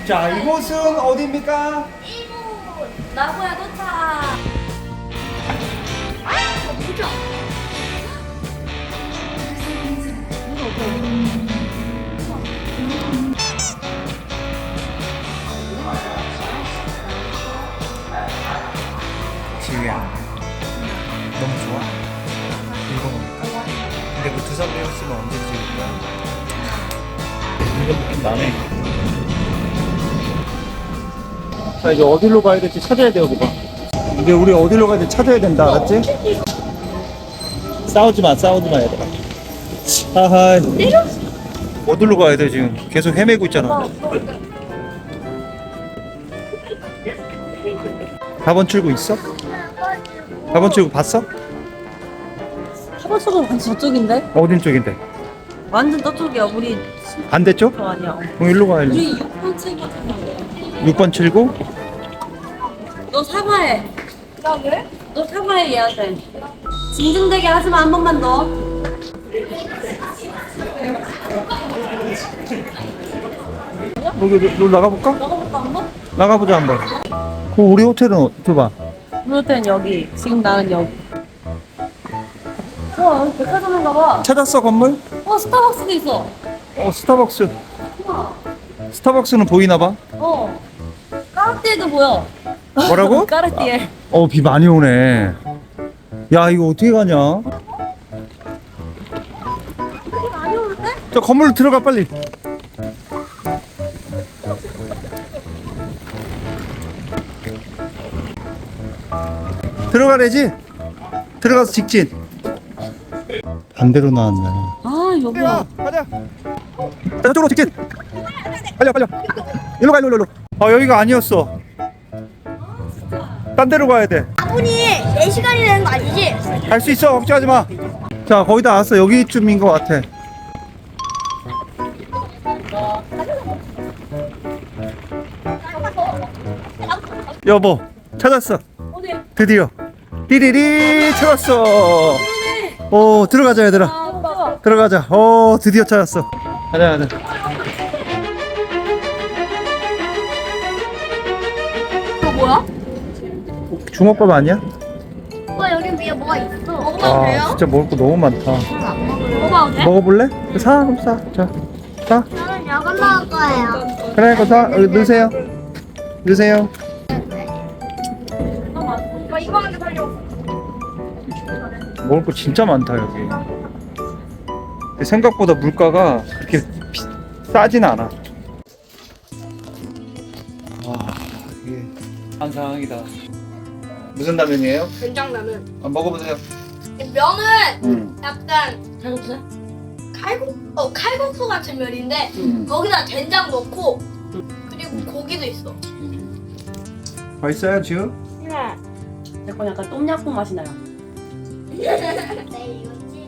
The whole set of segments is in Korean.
자, 이곳은 어디입니까? 이곳 나고야 도착. 진짜. 지우야, 너무 좋아? 읽어놓을까? 근데 그 두산 배웠으면 언제 지울 거야? 이거 느낌 나네. 자, 이제 어디로 가야 될지 찾아야 돼요, 그거. 이제 우리 어디로 가야 될지 찾아야 된다, 알았지? 싸우지 마, 얘들아. 하하. 어디로 가야 돼, 지금? 계속 헤매고 있잖아. 4번 출구 있어? 4번 출구 봤어? 하버스가 완전 저쪽인데? 어딘 쪽인데? 완전 저쪽이야. 우리 반대쪽? 아니야. 그럼 일로 가야지. 우리 6번 책임. 6번 출구? 너 사과해. 나 왜? 너 사과해 얘한테. 징징대게 하지마 한 번만 더. 여기 나가볼까? 나가볼까 한 번? 나가보자 한번. 그 우리 호텔은 들어봐. 우리 호텔은 여기. 지금 나는 여기. 와 여기 백화점인가 봐. 찾았어 건물? 스타벅스도 있어. 스타벅스. 우와. 스타벅스는 보이나 봐. 까르띠에도 보여. 뭐라고? 까르띠에. 비 많이 오네. 야 이거 어떻게 가냐? 많이 오는데? 저 건물로 들어가 빨리. 들어가래지? 들어가서 직진. 반대로 나왔네. 아 여기야. 가자. 저쪽으로 직진. 빨리 빨리. 일로 가 일로. 여기가 아니었어. 딴 데로 가야 돼. 아분이 4시간이 되는 거 아니지? 갈 수 있어. 걱정하지 마. 자 거의 다 왔어. 여기쯤인 것 같아. 여보 찾았어. 어디? 드디어 띠리리 찾았어. 들어가자 얘들아. 아 들어가자. 드디어 찾았어. 가자. 이거 뭐야? 주먹밥 아니야? 여기 위에 뭐가 있어? 진짜 먹을 거 너무 많다. 먹어봐도 돼? 먹어볼래? 사 그럼 사. 자 사. 저는 이거 먹을 거예요. 그래 그거 사. 여기 넣으세요. 이거 하나 살려. 먹을 거 진짜 많다 여기. 근데 생각보다 물가가 그렇게 싸진 않아. 이게 한 상황이다. 무슨 라면이에요? 된장라면. 먹어보세요. 면은 약간 잘했어? 칼국수 같은 면인데 거기다 된장 넣고 그리고 고기도 있어. 맛있어요 지금? 네. 내 건 약간 똠양꿍 맛이 나요. 네 이거지.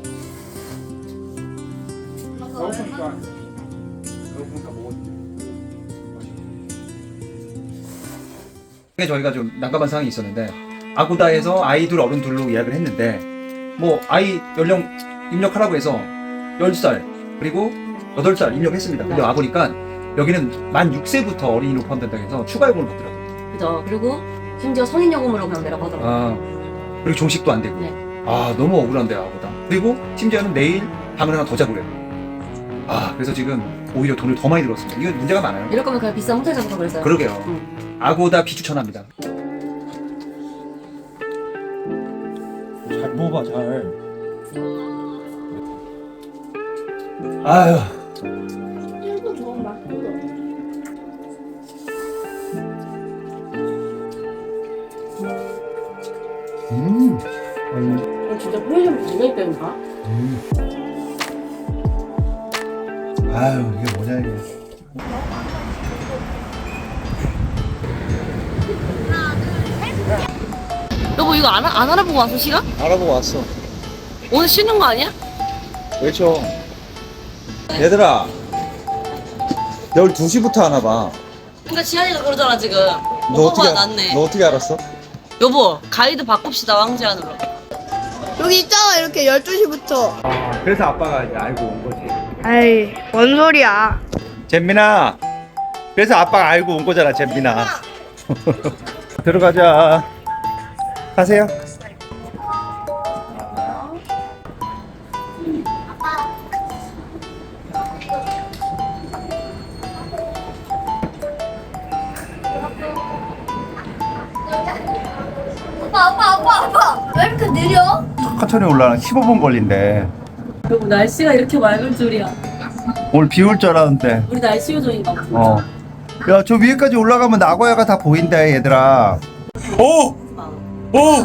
저희가 좀 난감한 상황이 있었는데 아고다에서 아이 둘 어른 둘로 예약을 했는데 뭐 아이 연령 입력하라고 해서 10살 그리고 8살 입력했습니다. 근데 와보니까 여기는 만 6세부터 어린이로 포함된다고 해서 추가 요금을 받더라고요. 그죠? 그리고 심지어 성인 요금으로 그냥 내라고 하더라고요. 그리고 종식도 안 되고 네. 너무 억울한데 아고다. 그리고 심지어는 내일 방을 하나 더 잡으래요. 그래서 지금 오히려 돈을 더 많이 들었습니다. 이건 문제가 많아요. 이럴 거면 그냥 비싼 호텔 잡아서 그랬어요. 그러게요. 응. 아고다 비추천합니다. 잘 먹어봐 잘. 아유. 이거 너무 맛있어. 진짜 편의점 굉장히 때문가? 아유 이게 뭐냐 이게. 여보 이거 안 알아보고 왔어 시간? 알아보고 왔어. 오늘 쉬는 거 아니야? 외쳐. 얘들아. 내일 2시부터 하나 봐. 그러니까 지한이가 그러잖아 지금. 너 오빠가 낫네. 너 어떻게 알았어? 여보 가이드 바꿉시다 왕지안으로. 여기 있잖아 이렇게 12시부터. 그래서 아빠가 이제 알고 온 거지. 아이 뭔 소리야. 잼민아. 그래서 아빠가 알고 온 거잖아, 잼민아. 들어가자. 가세요. 아빠. 왜 이렇게 느려? 천천히 올라가. 15분 걸린대. 여보 날씨가 이렇게 맑을 줄이야. 오늘 비 올 줄 알았는데. 우리 날씨 요정인가 봐. 어. 야, 저 위에까지 올라가면 나고야가 다 보인다, 얘들아. 오! 오!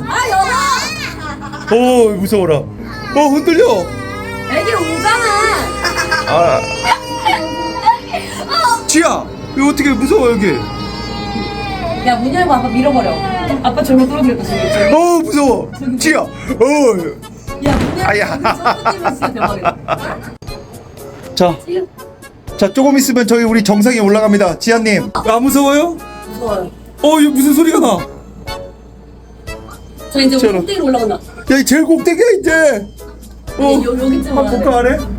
오, 무서워라. 흔들려. 애기 울잖아. 아. 지야, 이거 어떻게 무서워, 여기. 야 문 열고 아빠 밀어버려. 아빠 절로 떨어지겠다 지금. 무서워. 지야. 야문 열고 아야. 떨어지면 진짜 대박이다. 자, 조금 있으면 저희 우리 정상에 올라갑니다. 지아님. 안 무서워요? 무서워요. 이거 무슨 소리가 나? 저 이제 우리 저런. 꼭대기로 올라간다. 야, 이 제일 꼭대기야, 이제. 여기쯤 한번 볼까, 올라가야 돼. 아래?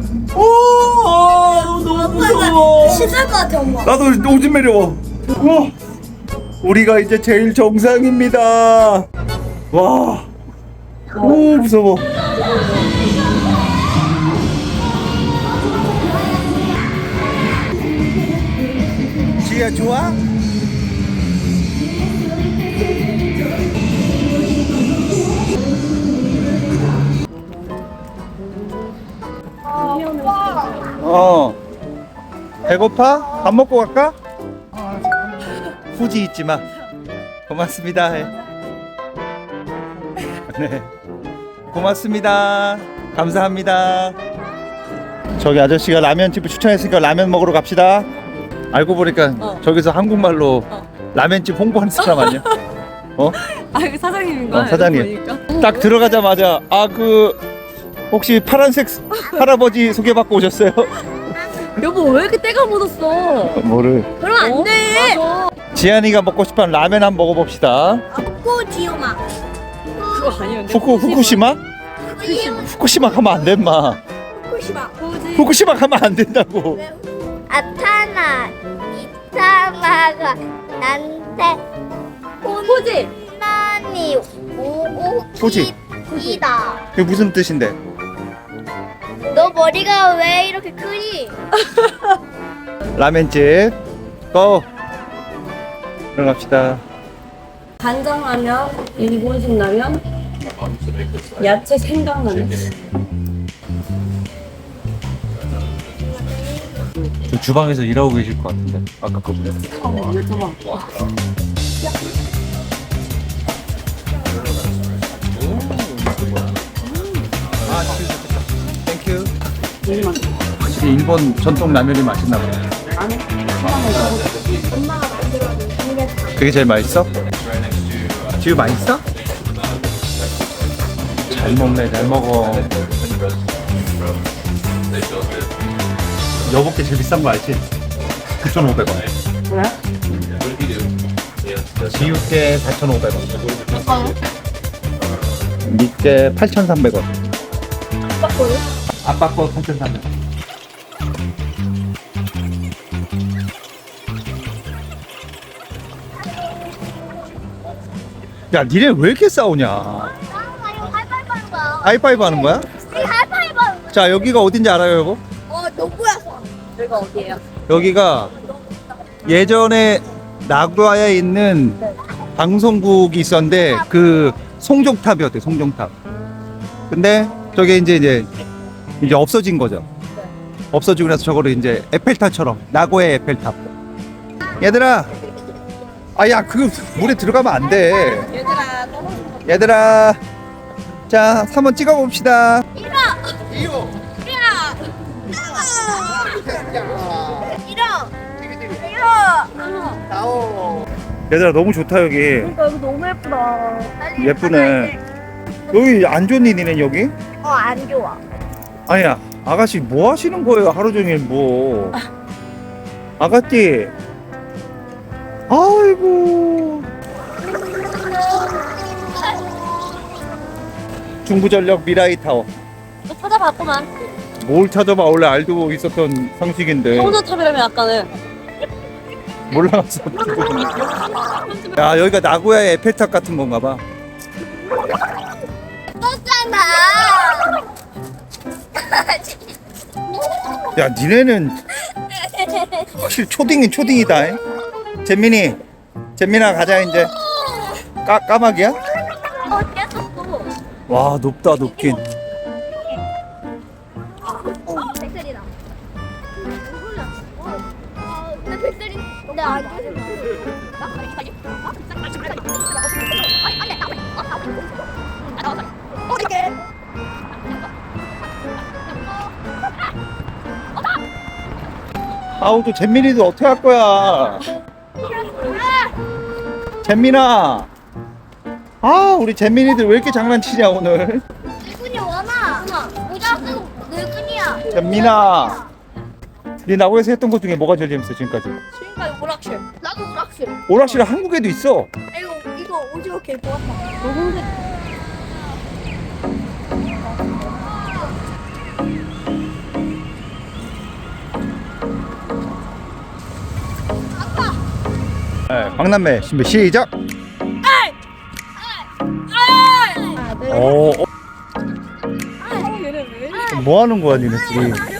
너무 무서워. 신날 것 같아 엄마. 나도 오줌 매려워. 우리가 이제 제일 정상입니다. 와. 오, 무서워. 지야, 좋아? 배고파? 밥 먹고 갈까? 후지 잊지 마. 고맙습니다. 네. 고맙습니다. 감사합니다. 저기 아저씨가 라면집을 추천했으니까 라면 먹으러 갑시다. 알고 보니까 저기서 한국말로 라면집 홍보하는 사람 아니야? 아 이거 사장님인 거야? 사장님. 딱 들어가자마자 혹시 파란색 할아버지 소개받고 오셨어요? 여보 왜 이렇게 때가 묻었어? 뭐를? 그럼 안 돼. 맞아. 지안이가 먹고 싶은 라면 한번 먹어봅시다. 꼬지오마. 그거 아니었는데. 후쿠시마? 후쿠시마 가면 안 돼, 마. 꼬시마. 후쿠시마 가면 안 된다고. 아타나 이타마가 난테 호지. 나니 오고 호지. 이다. 그게 무슨 뜻인데? 너 머리가 왜 이렇게 크니? 라면집 고! 들어갑시다. 간장라면, 일본식 라면, 야채 생강라면. 저 주방에서 일하고 계실 것 같은데 아까 거보다. 아, 진짜 좋겠다. 땡큐. 확실히 일본 전통 라면이 맛있나 보네. 그게 제일 맛있어? 지우 맛있어? 잘 먹네, 잘 먹어. 여보께 제일 비싼 거 알지? 9,500원. 그래? 지우께 4,500원. 니께 8,300원. 아빠 거 8,300원. 야, 니네 왜 이렇게 싸우냐? 하이파이브 하는 거야? 자, 여기가 어딘지 알아요, 여보? 너구야. 여기가 어디예요? 여기가 예전에 나고야에 있는 방송국이 있었는데 그 송정탑이었대, 송정탑. 근데 저게 이제 없어진 거죠. 없어지고 나서 저거를 이제 에펠탑처럼, 나고야 에펠탑. 얘들아, 야, 그 물에 들어가면 안 돼. 얘들아, 자, 한번 찍어 봅시다. 얘들아, 너무 좋다 여기. 그러니까 여기 너무 예쁘다. 예쁘네. 여기 안 좋니, 니네 여기? 안 좋아. 아니야, 아가씨 뭐 하시는 거예요, 하루 종일 뭐. 아가씨. 아이고. 중부전력 미라이 타워. 또 찾아봤구만. 뭘 찾아봐, 원래 알고 있었던 상식인데. 성전탑이라면 아까는. 몰라서. 야, 여기가 나고야의 에펠탑 같은 건가 봐. 떴잖아. 야, 니네는 확실히 초딩인 초딩이다. 잉? 잼민아 가자 이제. 까마귀야? 깼었어. 와, 높다 높긴. 백설이다. 나 백설이. 나 아직. 아우, 또 잼민이도 어떻게 할 거야? 잼민아. 아, 우리 잼민이들 왜 이렇게 장난치냐 오늘? 늙은이 원아. 모자 쓰고 늙은이야. 잼민아. 네 나고에서 했던 것 중에 뭐가 제일 재밌어 지금까지? 지금까지 오락실. 나도 오락실. 오락실은 한국에도 있어. 이거 오징어 개 좋았다. 네, 박남매 준비 시작. 오, 얘네 왜? 뭐 하는 거야 니네 둘이?